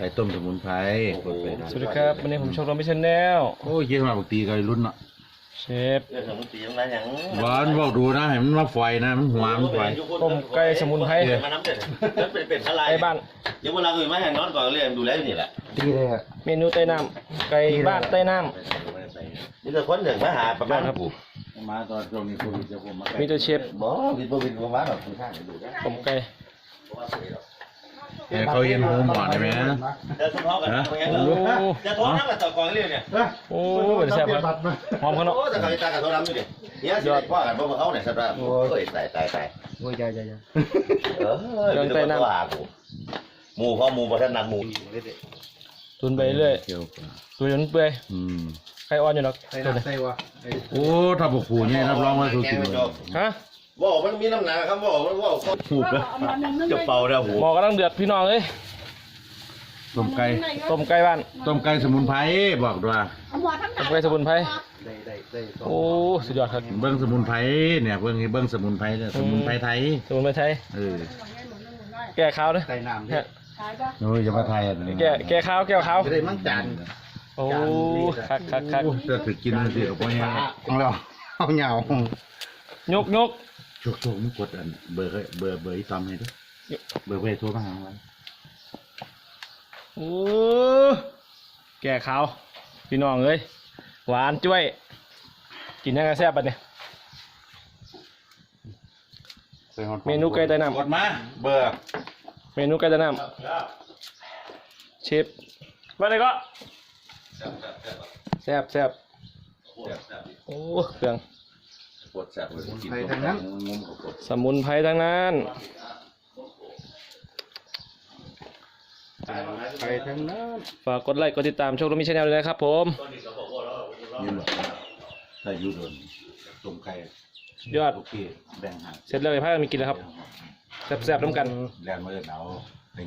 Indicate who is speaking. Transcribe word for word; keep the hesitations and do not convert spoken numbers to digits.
Speaker 1: ก่ต้มสมุนไพร
Speaker 2: สวัสดีครับวันนี้ผมชมรมพิชแนล
Speaker 1: โอ้ยคิดมาปกติก็รุ่นเนาะ
Speaker 2: เชฟ
Speaker 3: เรื่องสมุนไพรยังไงยัง
Speaker 1: หวานบอกดูนะเห็นมันมาไฟนะมันหัวมันไฟ
Speaker 2: ต้มไก่สมุนไพร
Speaker 3: มาน้ำเด็ดเป็นเป็นอะไร
Speaker 2: ไก่บ้าน
Speaker 3: เดี๋ยวเวลาอื่นไม่ให้นอนก่อนเรียนดูแลอยู่นี่แหละ
Speaker 4: ดีเลยอ่ะ
Speaker 2: เมนูใต้น้ำไก่บ้านใต้น้
Speaker 3: นี่จะค้นถึงมาหาประมาณ
Speaker 1: มาตอนช่วงนี้โควิดจะผมมา
Speaker 2: ำมีตัวเชฟ
Speaker 3: บ่วินบ่วินบ่มาหรอกคุณข้างดูได้
Speaker 2: ต้มไก่
Speaker 1: เออเขาเย็นหูหมอนได้ไหมนะ
Speaker 3: จะทะเลาะกันจะท้องน้ำกับต่อกองเรียนเนี่ย
Speaker 2: โอ้ยแซ่บครับหอมขนาด
Speaker 3: โอ้แต่เขาตากับท้องน้ำอยู่ดิเนี่ยยอดพ่อกันพ่อเขาเนี่ยสัตว์โอ้ยตายตายตาย
Speaker 4: โอ้ยใจใจใจ
Speaker 3: เออเรื่องใต้น้ำหมูพ่อหมูประทันนักหมู
Speaker 2: ตุนไปเรื่อย
Speaker 1: เกี่ยว
Speaker 2: ตุนจนเปื่อย
Speaker 1: อืม
Speaker 2: ไข่อ่อนอยู่หรอก
Speaker 4: ใส่น้ำใส่วะ
Speaker 1: โอ้ถ้าบอกขู่เนี่ยรับรองว่าถูกกินเลย
Speaker 2: ฮะ
Speaker 3: ว่ามันมีน้ำหนักครับว่ามันว่า
Speaker 1: ถูกแล้ว
Speaker 3: จะเป่าแล้วหู
Speaker 2: หมอกำลังเดือดพี่น้องเอ้ย
Speaker 1: ต้มไก่
Speaker 2: ต้มไก่บ้าน
Speaker 1: ต้มไก่สมุนไพรบอกด้วย
Speaker 2: ต้มไก่สมุนไพร
Speaker 4: ได้ได้ได้
Speaker 2: โอ้สุดยอดครับ
Speaker 1: เบิ้งสมุนไพรเนี่ยเบิ้งเบิ้งสมุนไพรเนี่ยสมุนไพรไทย
Speaker 2: สมุนไพรไทย
Speaker 1: เออ
Speaker 2: แก้ข้าวด้วย
Speaker 4: ใส่น้ำ
Speaker 2: เนี่ย
Speaker 1: โอ้ยจะมาไทยอ่ะ
Speaker 2: แก้แก้ข้าวแก้ข้าว
Speaker 4: จะได้มั่งจาน
Speaker 2: โอ้คักคักคัก
Speaker 1: จะถือกินสิกับพ่อเนี่ย
Speaker 4: ของเราเอาเหงาย
Speaker 2: กยก
Speaker 1: โชคโชคมึงกดอันเบอร์เบอร์เบอร์อีตอมให้ด้วยเบอร์เพื่อโทรมาหาวัน
Speaker 2: โอ้แก่ขาวพี่น้องเอ้ยหวานจ้วยกินยังไงแซ่บปะเนี่ยเมนูไก่ใต้น้
Speaker 1: กดมาเบอร์
Speaker 2: ำเมนูไก่ใต้น้ำเชฟมาเลยก็แซ่บแซ่บโอ้เครื่อง
Speaker 1: กดแซ่บเลยกิน
Speaker 4: ใส่ทั้งนั้น
Speaker 1: งมกับกด
Speaker 2: สมุนไพรทั้งนั้น
Speaker 4: ใส่ทั้งนั้น
Speaker 2: ฝากกดไลค์กดติดตามช่องรถมิชแนลด้วยนะครับผม
Speaker 1: ยืนแบบถ้าอยู่โดนต้มไก่
Speaker 2: ยอด
Speaker 1: โอเคแบ่งหัก
Speaker 2: เสร็จแล้วไอ้ผ้ามีกินแล้วครับแซ่บๆน้ำกัน
Speaker 1: แรงมาเลยเอา